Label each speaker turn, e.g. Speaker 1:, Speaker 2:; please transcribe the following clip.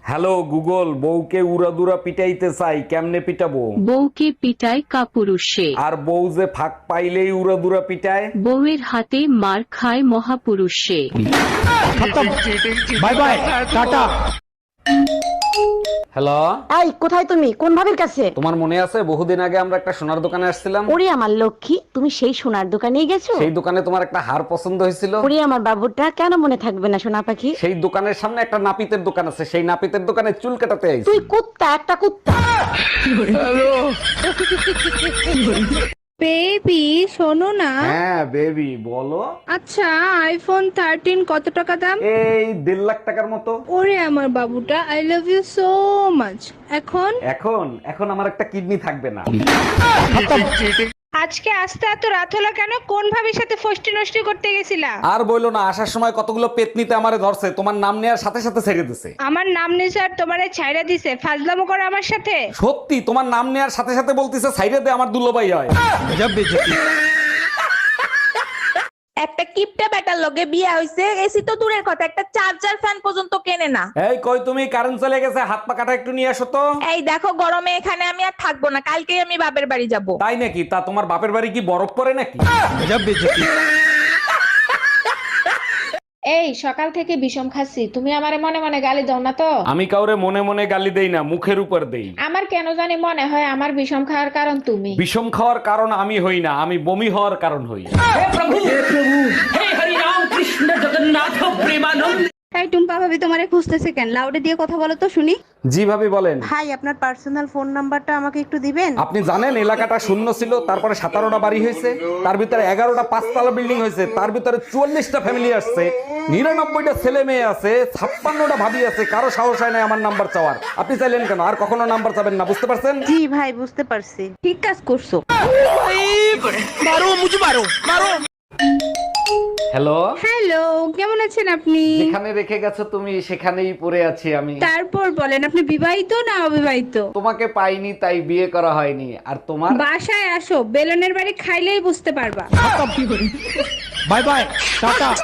Speaker 1: Hello Google, বউকে উড়াদুরা পিটাইতে চাই, কেমনে পিটাবো?
Speaker 2: বউকে পিটায় কাপুরুষে,
Speaker 1: আর বউ যে ফাঁক পাইলেই উড়াদুরা পিটায়?
Speaker 2: বউয়ের হাতে মার খায় মহাপুরুষে।
Speaker 3: Bye bye tata.
Speaker 1: হ্যালো,
Speaker 4: এই কোথায় তুমি? কোন ভাবির কাছে?
Speaker 1: তোমার মনে আছে বহুদিন আগে আমরা একটা সোনার দোকানে আসছিলাম?
Speaker 4: ওরে আমার লক্ষ্মী, তুমি সেই সোনার দোকানেই গেছো?
Speaker 1: সেই দোকানে তোমার একটা হার পছন্দ হয়েছিল।
Speaker 4: ওরে আমার বাবুটা, কেন মনে থাকবে না সোনা পাখি?
Speaker 1: সেই দোকানের সামনে একটা নাপিতের দোকান আছে, সেই নাপিতের দোকানে চুল কাটাতে আইছি।
Speaker 4: তুই কুত্তা, একটা কুত্তা।
Speaker 5: বেবি শোনো না।
Speaker 1: হ্যাঁ বেবি, বলো।
Speaker 5: আচ্ছা, আইফোন 13 কত টাকা দাম?
Speaker 1: এই 1.5 লাখ টাকার মতো।
Speaker 5: ওরে আমার বাবুটা, I love you so much. এখন
Speaker 1: এখন আমার একটা কিডনি থাকবে না।
Speaker 5: আজকে আসতে এত রাত হলো কেন? কোন ভাবির সাথে ফষ্টি নষ্টি করতে গেছিলা?
Speaker 1: আর বইলো না, আসার সময় কতগুলো পেতনিতে আমারে ধরছে, তোমার নাম নেওয়ার সাথে সাথে ছেড়ে দিছে।
Speaker 5: আমার নাম নিয়ে স্যার তোমারে ছাইড়া দিছে, ফাজলামো করে আমার সাথে।
Speaker 1: সত্যি, তোমার নাম নেওয়ার সাথে সাথে বলতিছে সাইডে দে, আমার দুলোবাই হয়।
Speaker 3: গজব বেইজ্জতি।
Speaker 6: একটা কিপটা বেটার লগে বিয়ে হইছে, এসি তো দূরের কথা, একটা চার্জার ফ্যান পর্যন্ত কেনে না।
Speaker 1: এই কই তুমি, কারেন্ট চলে গেছে, হাত পা কাটা একটু নিয়ে আসো তো।
Speaker 6: এই দেখো, গরমে এখানে আমি আর থাকবো না, কালকেই আমি বাপের বাড়ি যাব।
Speaker 1: তাই নাকি? তা তোমার বাপের বাড়ি কি বরফ পড়ে নাকি?
Speaker 3: গজব বেইজ্জতি।
Speaker 7: এই সকাল থেকে বিষম খাচ্ছি, তুমি আমারে মনে মনে গালি দাও না তো?
Speaker 1: আমি কাউরে মনে মনে গালি দেই না, মুখের উপর দেই।
Speaker 7: আমার কেন জানি মনে হয় আমার বিষম খাওয়ার কারণ তুমি।
Speaker 1: বিষম খাওয়ার কারণ আমি হই না, আমি বমি হওয়ার কারণ হই।
Speaker 5: এই টুম্পা ভাবি তোমারে খুঁজতেছে কেন? লাউডে দিয়ে কথা বলো তো শুনি।
Speaker 1: জি ভাবি বলেন।
Speaker 4: ভাই, আপনার পার্সোনাল ফোন নাম্বারটা আমাকে একটু দিবেন?
Speaker 1: আপনি জানেন এলাকাটা শূন্য ছিল, তারপরে 17টা বাড়ি হয়েছে, তার ভিতরে 11টা 5তলা বিল্ডিং হয়েছে, তার ভিতরে 44টা ফ্যামিলি আসছে, 99টা ছেলে মেয়ে আছে, 56টা ভাবি আছে, কারো সাহস হয় না আমার নাম্বার চাওয়ার। আপনি চাইলেন কেন? আর কখনো নাম্বার চাবেন না, বুঝতে পারছেন?
Speaker 4: জি ভাই, বুঝতে পারছি।
Speaker 5: ঠিক কাজ করছো।
Speaker 1: হ্যালো,
Speaker 5: হ্যালো, কেমন আছেন আপনি?
Speaker 1: যেখানে রেখে গেছো তুমি সেখানেই পড়ে আছি আমি।
Speaker 5: তারপর বলেন, আপনি বিবাহিত না অবিবাহিত?
Speaker 1: তোমাকে পাইনি তাই বিয়ে করা হয়নি। আর তোমার?
Speaker 5: বাসায় আসো, বেলনের বাড়ি খাইলেই বুঝতে পারবা।
Speaker 3: Bye bye tata.